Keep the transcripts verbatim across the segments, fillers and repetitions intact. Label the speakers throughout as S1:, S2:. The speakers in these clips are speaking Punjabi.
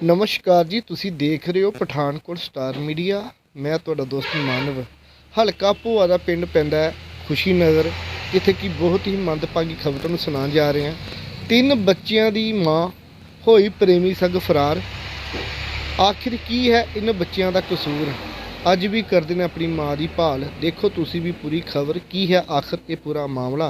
S1: ਨਮਸਕਾਰ ਜੀ, ਤੁਸੀਂ ਦੇਖ ਰਹੇ ਹੋ ਪਠਾਨਕੋਟ ਸਟਾਰ ਮੀਡੀਆ। ਮੈਂ ਤੁਹਾਡਾ ਦੋਸਤ ਮਾਨਵ। ਹਲਕਾ ਭੋਆ ਦਾ ਪਿੰਡ ਪੈਂਦਾ ਹੈ ਖੁਸ਼ੀ ਨਗਰ, ਜਿੱਥੇ ਕਿ ਬਹੁਤ ਹੀ ਮੰਦਭਾਗੀ ਖਬਰ ਤੁਹਾਨੂੰ ਸੁਣਾਉਣ ਜਾ ਰਹੇ ਹਾਂ। ਤਿੰਨ ਬੱਚਿਆਂ ਦੀ ਮਾਂ ਹੋਈ ਪ੍ਰੇਮੀ ਸੰਗ ਫਰਾਰ। ਆਖਿਰ ਕੀ ਹੈ ਇਹਨਾਂ ਬੱਚਿਆਂ ਦਾ ਕਸੂਰ? ਅੱਜ ਵੀ ਕਰਦੇ ਨੇ ਆਪਣੀ ਮਾਂ ਦੀ ਭਾਲ। ਦੇਖੋ ਤੁਸੀਂ ਵੀ ਪੂਰੀ ਖਬਰ, ਕੀ ਹੈ ਆਖਿਰ ਇਹ ਪੂਰਾ ਮਾਮਲਾ।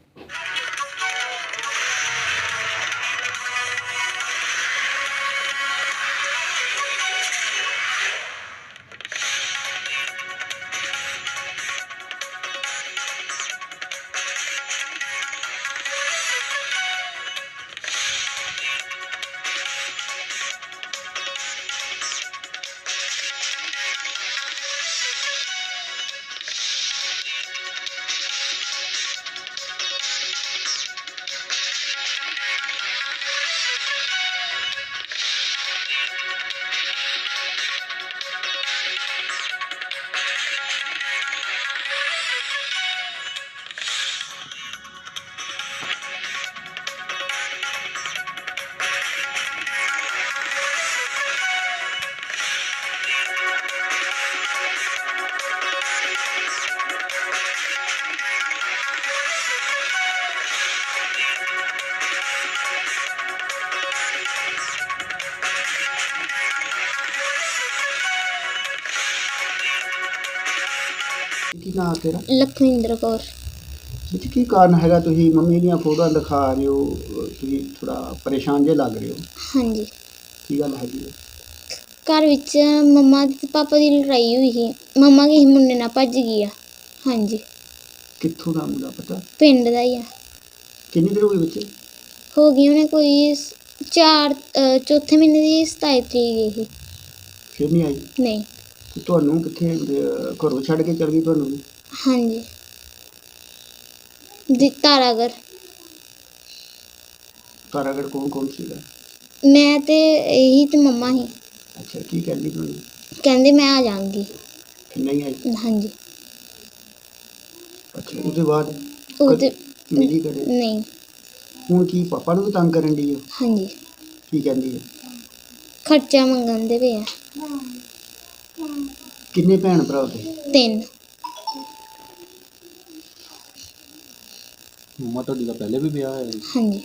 S2: ਕੀ ਨਾਂ ਤੇਰਾ?
S3: ਲਖਵਿੰਦਰ ਕੌਰ।
S2: ਵਿੱਚ ਕੀ ਕਾਰਨ ਹੈਗਾ ਤੁਸੀਂ ਮੰਮੀ ਦੀਆਂ ਫੋਟੋਆਂ ਦਿਖਾ ਰਹੇ ਹੋ, ਤੁਸੀਂ ਥੋੜਾ ਪਰੇਸ਼ਾਨ ਜੇ ਲੱਗ ਰਹੇ ਹੋ?
S3: ਹਾਂਜੀ,
S2: ਕੀ ਗੱਲ ਹੈਗੀ ਹੈ?
S3: ਘਰ ਵਿੱਚ ਮੰਮਾ ਤੇ ਪਾਪਾ ਦੀ ਲੜਾਈ ਹੋਈ ਸੀ। ਮੰਮਾ ਕਿਸੇ ਮੁੰਡੇ ਨਾਲ ਭੱਜ ਗਈ ਆ। ਹਾਂਜੀ,
S2: ਕਿੱਥੋਂ ਦਾ ਮੁੰਡਾ ਪਤਾ?
S3: ਪਿੰਡ ਦਾ ਹੀ ਆ।
S2: ਕਿੰਨੀ ਦੇਰ ਹੋ ਗਈ ਵਿੱਚ?
S3: ਹੋ ਗਈ ਉਹਨੇ ਕੋਈ ਸ- ਚਾਰ ਅਹ, ਚੌਥੇ ਮਹੀਨੇ ਦੀ ਸਤਾਈ ਤਰੀਕ ਗਈ ਸੀ।
S2: ਫਿਰ ਨਹੀਂ ਆਈ?
S3: ਨਹੀਂ।
S2: ਤੇ ਤੁਹਾਨੂੰ ਕਿੱਥੇ ਅਹ, ਘਰੋਂ ਛੱਡ ਕੇ ਚਲ ਗਈ ਤੁਹਾਨੂੰ?
S3: ਹਾਂਜੀ, ਦੀ ਤਾਰਾਗੜ।
S2: ਤਾਰਾਗੜ ਕੌਣ ਕੌਣ ਸੀਗਾ?
S3: ਮੈਂ ਤੇ ਇਹੀ ਤੇ ਮੰਮਾ ਸੀ।
S2: ਅੱਛਾ, ਕੀ ਕਹਿੰਦੀ ਤੁਹਾਨੂੰ?
S3: ਕਹਿੰਦੇ ਮੈਂ ਆ ਜਾਵਾਂਗੀ।
S2: ਫਿਰ ਨਹੀਂ ਆਈ?
S3: ਹਾਂਜੀ।
S2: ਅੱਛਾ, ਉਹਦੇ ਬਾਅਦ
S3: ਉਹ ਤੇ
S2: ਮਿਲੀ ਕਦੇ?
S3: ਨਹੀਂ।
S2: ਹੁਣ ਕੀ ਪਾਪਾ ਨੂੰ ਵੀ ਤੰਗ ਕਰਨ ਦੀ ਹੈ?
S3: ਹਾਂਜੀ,
S2: ਕੀ ਕਹਿੰਦੀ ਹੈ?
S3: ਖਰਚਾ ਮੰਗਣ ਦੇ ਪਏ ਆ।
S2: ਕਿੰਨੇ ਭੈਣ ਭਰਾ ਉਹਦੇ?
S3: ਤਿੰਨ।
S2: ਮੰਮਾ ਤੁਹਾਡੀ ਦਾ ਪਹਿਲੇ ਵੀ ਵਿਆਹ ਹੋਇਆ?
S3: ਹਾਂਜੀ।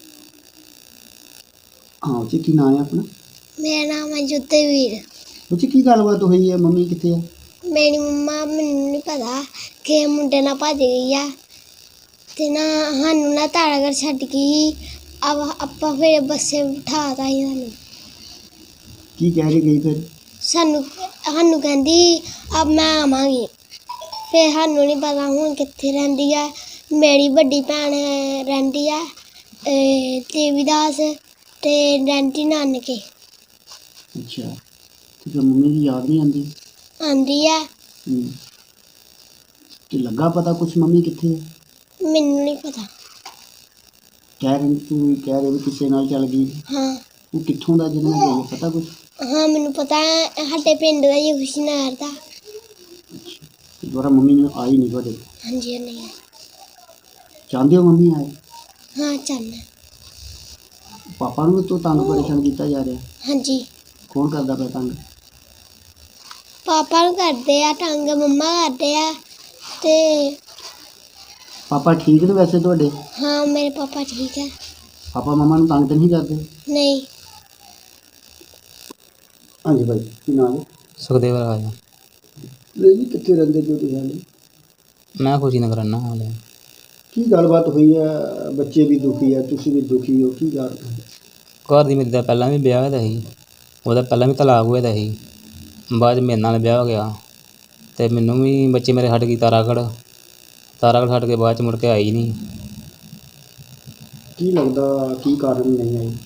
S2: ਹਾਂ ਜੀ, ਕੀ ਨਾਂ ਹੈ ਆਪਣਾ?
S3: ਮੇਰਾ ਨਾਮ ਹੈ ਜੋਤਵੀਰ।
S2: ਬੱਚੇ ਕੀ ਗੱਲਬਾਤ ਹੋਈ ਹੈ? ਮੰਮੀ ਕਿੱਥੇ ਆ?
S3: ਮੇਰੀ ਮੰਮਾ, ਮੈਨੂੰ ਨਹੀਂ ਪਤਾ ਕਿ ਮੁੰਡੇ ਨਾਲ ਭੱਜ ਗਈ ਆ ਤੇ ਨਾ ਸਾਨੂੰ ਨਾ ਤਾਰਾਗੜ ਛੱਡ ਗਈ। ਆਪ ਆਪਾਂ ਫਿਰ ਬੱਸੇ ਬਿਠਾਤਾ ਸੀ ਸਾਨੂੰ।
S2: ਕੀ ਕਹਿ ਕੇ ਗਈ ਫਿਰ?
S3: ਸਾਨੂੰ ਸਾਨੂੰ ਕਹਿੰਦੀ ਅਬ ਮੈਂ ਆਵਾਂਗੀ। ਫਿਰ ਸਾਨੂੰ ਨਹੀਂ ਪਤਾ ਹੁਣ ਕਿੱਥੇ ਰਹਿੰਦੀ ਆ। ਮੇਰੀ ਵੱਡੀ ਭੈਣ ਰਹਿੰਦੀ ਆ ਦੇਵੀਦਾਸ ਤੇ ਰਹਿੰਦੀ ਨਾਨਕੇ।
S2: ਅੱਛਾ, ਤੇ ਫਿਰ ਮੰਮੀ ਦੀ ਯਾਦ ਨਹੀਂ ਆਉਂਦੀ?
S3: ਆਉਂਦੀ ਆ।
S2: ਹੂੰ। ਤੇ ਲੱਗਾ ਪਤਾ ਕੁਛ ਮੰਮੀ ਕਿੱਥੇ ਹੈ?
S3: ਮੈਨੂੰ ਨਹੀਂ ਪਤਾ।
S2: ਕਹਿ ਰਹੀ ਤੂੰ ਕਹਿ ਰਹੀ ਵੀ ਕਿਸੇ ਨਾਲ ਚੱਲ ਗਈ।
S3: ਹਾਂ
S2: ਉਹ ਕਿੱਥੋਂ ਦਾ ਜਿਹਦੇ ਨਾਲ ਗਈ, ਪਤਾ ਕੁਛ?
S3: ਹਾਂ ਮੈਨੂੰ ਪਤਾ ਹੈ, ਸਾਡੇ ਪਿੰਡ ਦਾ ਹੀ ਖੁਸ਼ੀ ਨਗਰ ਦਾ।
S2: ਅੱਛਾ, ਤੇ ਦੁਬਾਰਾ ਮੰਮੀ ਨੂੰ ਆਈ ਨਹੀਂ ਤੁਹਾਡੇ?
S3: ਹਾਂਜੀ ਨਹੀਂ।
S2: ਚਾਹੁੰਦੇ ਹੋ ਮੰਮੀ ਆਏ?
S3: ਹਾਂ ਚੱਲ।
S2: ਪਾਪਾ ਨੂੰ ਤੋਂ ਤੰਗ ਪਰੇਸ਼ਾਨ ਕੀਤਾ ਜਾ ਰਿਹਾ?
S3: ਹਾਂਜੀ,
S2: ਕੌਣ ਕਰਦਾ ਪਿਆ ਤੰਗ?
S3: ਪਾਪਾ ਨੂੰ ਕਰਦੇ ਆ ਤੰਗ, ਮੰਮਾ ਕਰਦੇ ਆ ਤੇ
S2: ਪਾਪਾ ਠੀਕ ਨੇ ਵੈਸੇ ਤੁਹਾਡੇ?
S3: ਹਾਂ ਮੇਰੇ ਪਾਪਾ ਠੀਕ ਹੈ।
S2: ਪਾਪਾ ਮਮਾ ਨੂੰ ਤੰਗ ਤਾਂ ਨਹੀਂ ਕਰਦੇ?
S3: ਨਹੀਂ।
S2: ਹਾਂਜੀ ਭਾਈ, ਕੀ ਨਾਮ ਹੈ?
S4: ਸੁਖਦੇਵ ਰਾਜ।
S2: ਜੀ ਕਿੱਥੇ ਰਹਿੰਦੇ ਜੋ ਤੁਸੀਂ ਹਾਲੇ?
S4: ਮੈਂ ਖੁਸ਼ੀ ਨਗਰ ਰਹਿੰਦਾ ਹਾਲੇ।
S2: ਕੀ ਗੱਲਬਾਤ ਹੋਈ ਹੈ? ਬੱਚੇ ਵੀ ਦੁਖੀ ਹੈ, ਤੁਸੀਂ ਵੀ ਦੁਖੀ ਹੋ, ਕੀ ਗੱਲ?
S4: ਘਰ ਦੀ ਮੇਰੀ ਦਾ ਪਹਿਲਾਂ ਵੀ ਵਿਆਹ ਹੋਇਆ ਸੀ, ਉਹਦਾ ਪਹਿਲਾਂ ਵੀ ਤਲਾਕ ਹੋਇਆ ਦਾ ਸੀ। ਬਾਅਦ 'ਚ ਮੇਰੇ ਨਾਲ ਵਿਆਹ ਹੋ ਗਿਆ ਅਤੇ ਮੈਨੂੰ ਵੀ ਬੱਚੇ ਮੇਰੇ ਛੱਡ ਗਈ ਤਾਰਾਗੜ। ਤਾਰਾਗੜ ਛੱਡ ਕੇ ਬਾਅਦ 'ਚ ਮੁੜ ਕੇ ਆਈ ਨਹੀਂ।
S2: ਕੀ ਲੱਗਦਾ ਕੀ ਕਾਰਨ ਨਹੀਂ ਆਈ?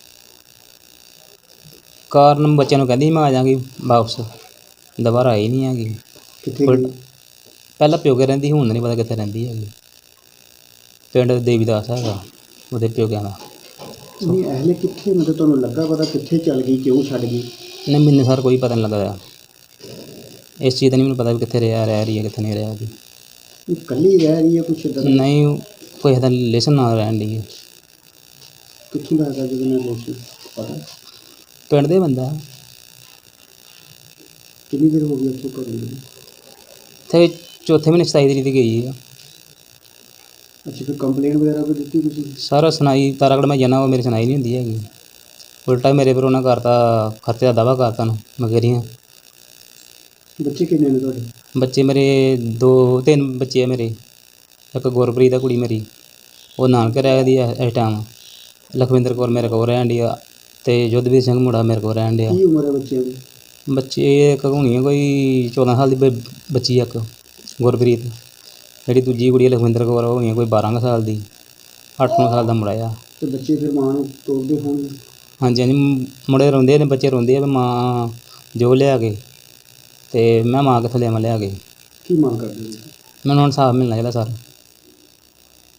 S4: ਕਾਰਨ ਬੱਚਿਆਂ ਨੂੰ ਕਹਿੰਦੀ ਮੈਂ ਆ ਜਾਵਾਂਗੀ ਵਾਪਸ, ਦੁਬਾਰਾ ਆਈ ਨਹੀਂ ਹੈਗੀ।
S2: ਕਿੱਥੇ
S4: ਉਲਟ-
S2: ਗਈ?
S4: ਪਹਿਲਾਂ ਪਿਓਕੇ ਰਹਿੰਦੀ, ਹੁਣ ਨਹੀਂ ਪਤਾ ਕਿੱਥੇ ਰਹਿੰਦੀ ਹੈਗੀ। ਪਿੰਡ ਦੇਵੀਦਾਸ ਹੈਗਾ ਉਹਦੇ ਪਿਓਕਿਆਂ ਦਾ।
S2: ਨਹੀਂ ਅਹਲੇ ਕਿੱਥੇ, ਮਤਲਬ ਤੁਹਾਨੂੰ ਲੱਗਾ ਪਤਾ ਕਿੱਥੇ ਚੱਲ ਗਈ, ਕਿਉਂ ਛੱਡ ਗਈ?
S4: ਨਹੀਂ ਮੈਨੂੰ ਸਰ ਕੋਈ ਪਤਾ ਨਹੀਂ ਲੱਗਦਾ ਇਸ ਚੀਜ਼ ਦਾ। ਨਹੀਂ ਮੈਨੂੰ ਪਤਾ ਵੀ ਕਿੱਥੇ ਰਿਹਾ ਰਹਿ ਰਹੀ ਹੈ ਕਿੱਥੇ ਨਹੀਂ ਰਿਹਾ ਜੀ।
S2: ਇਕੱਲੀ ਰਹਿ ਰਹੀ ਹੈ ਕੁਛ ਇੱਦਾਂ ਦਾ?
S4: ਨਹੀਂ, ਕੋਈ ਇਹਦਾ ਰਿਲੇਸ਼ਨ ਨਾਲ ਰਹਿਣ ਦੀ ਹੈ।
S2: ਕਿੱਥੋਂ ਦਾ ਹੈਗਾ ਜਿਹਦੇ ਨਾਲ ਦੋਸਤੀ ਪਤਾ?
S4: ਪਿੰਡ ਦੇ ਬੰਦਾ।
S2: ਕਿੰਨੀ ਦੇਰ ਹੋ ਗਈ ਉੱਥੋਂ ਘਰੋਂ ਗਏ?
S4: ਇੱਥੇ ਚੌਥੇ ਮਹੀਨੇ ਸਤਾਈ ਤਰੀਕ ਦੀ ਗਈ ਆ।
S2: ਅੱਛਾ, ਫਿਰ ਕੰਪਲੇਂਟ ਵਗੈਰਾ ਕੋਈ ਦਿੱਤੀ ਤੁਸੀਂ?
S4: ਸਾਰਾ ਸੁਣਾਈ ਤਾਰਾਗੜ੍ਹ ਮੈਂ ਜਾਣਾ, ਉਹ ਮੇਰੀ ਸੁਣਾਈ ਨਹੀਂ ਹੁੰਦੀ ਹੈਗੀ। ਉਲਟਾ ਮੇਰੇ ਪਰ ਉਹਨਾਂ ਕਰਤਾ ਖਰਚੇ ਦਾ ਦਾਵਾ ਕਰਤਾ ਨੂੰ ਮਗਰੀਆਂ।
S2: ਬੱਚੇ ਕਿੰਨੇ ਨੇ ਤੁਹਾਡੇ?
S4: ਬੱਚੇ ਮੇਰੇ ਦੋ ਤਿੰਨ ਬੱਚੇ ਆ ਮੇਰੇ। ਇੱਕ ਗੁਰਪ੍ਰੀਤ ਆ ਕੁੜੀ ਮੇਰੀ, ਉਹ ਨਾਨਕੇ ਰਹਿੰਦੀ ਆ ਇਸ ਟਾਈਮ। ਲਖਵਿੰਦਰ ਕੌਰ ਮੇਰੇ ਕੋਲ ਰਹਿਣ ਡਈ ਆ ਅਤੇ ਯੁੱਧਵੀਰ ਸਿੰਘ ਮੁੰਡਾ ਮੇਰੇ ਕੋਲ ਰਹਿਣ ਡਿਆ।
S2: ਕੀ ਉਮਰ ਹੈ ਬੱਚਿਆਂ ਦੀ?
S4: ਬੱਚੇ ਇੱਕ ਹੋਣੀ ਆ ਕੋਈ ਚੌਦਾਂ ਸਾਲ ਦੀ ਬ ਬੱਚੀ ਆ ਇੱਕ ਗੁਰਪ੍ਰੀਤ। ਜਿਹੜੀ ਦੂਜੀ ਕੁੜੀ ਆ ਲਖਵਿੰਦਰ ਕੌਰ, ਉਹ ਹੋਣੀ ਆ ਕੋਈ ਬਾਰਾਂ ਕੁ ਸਾਲ ਦੀ। ਅੱਠ ਨੌ ਸਾਲ ਦਾ ਮੁੰਡਾ ਆ।
S2: ਤੇ ਬੱਚੇ ਫਿਰ ਮਾਂ ਨੂੰ ਤੋਰਦੇ ਹੋਣਗੇ?
S4: ਹਾਂਜੀ ਹਾਂਜੀ, ਮੁੰਡੇ ਰੋਂਦੇ ਨੇ, ਬੱਚੇ ਰੋਂਦੇ ਆ ਵੀ ਮਾਂ ਜੋ ਲਿਆ ਕੇ, ਅਤੇ ਮੈਂ ਮਾਂ ਕਿੱਥੋਂ ਲਿਆਵਾਂ ਲਿਆ ਕੇ।
S2: ਕੀ ਮੰਗ ਕਰਦੇ ਹੋ?
S4: ਮੈਨੂੰ ਹੁਣ ਇਨਸਾਫ ਮਿਲਣਾ ਚਾਹੀਦਾ ਸਰ।